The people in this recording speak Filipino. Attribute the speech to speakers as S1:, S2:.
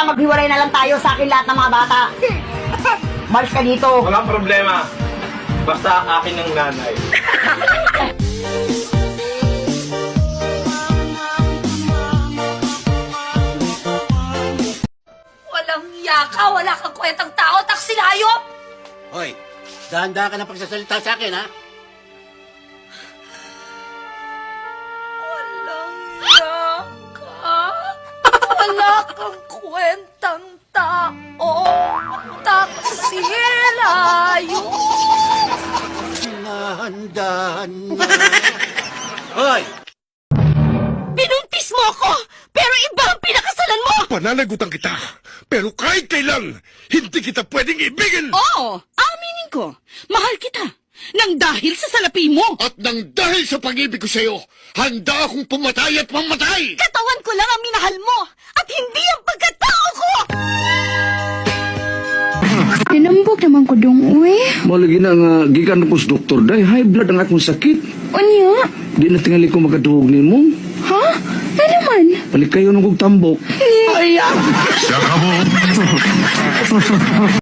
S1: maghiwalay na lang tayo sa akin lahat ng mga bata. Malis ka dito.
S2: Walang problema. Basta akin ng nanay.
S3: Walang yaka, wala kang kwentang tao, taksil hayop!
S4: Hoy, dahan-dahan ka na pagsasalita sa akin, ha?
S3: Walang yaka, wala kang kwentang tao, taksil hayop!
S4: Dahan-dahan na. Hoy!
S3: Binuntis mo ako, pero iba ang pinakasalan mo!
S5: Pananagutan kita, pero kahit kailan, hindi kita pwedeng ibigin!
S6: Oo, aminin ko. Mahal kita. Nang dahil sa salapi mo.
S5: At nang dahil sa pag-ibig ko sa'yo, handa akong pumatay at mamatay!
S3: Katawan ko lang ang minahal mo, at hindi ang pagkatao ko!
S7: Tinambok naman ko dong, uy.
S8: Malagi na nga, gikan ko sa doktor, day, high blood ang akong sakit.
S7: Unya?
S8: Di na tingali ko makaduhog ni mo.
S7: Ha? Ano naman?
S8: Balik kayo nung kong tambok.
S7: Ay,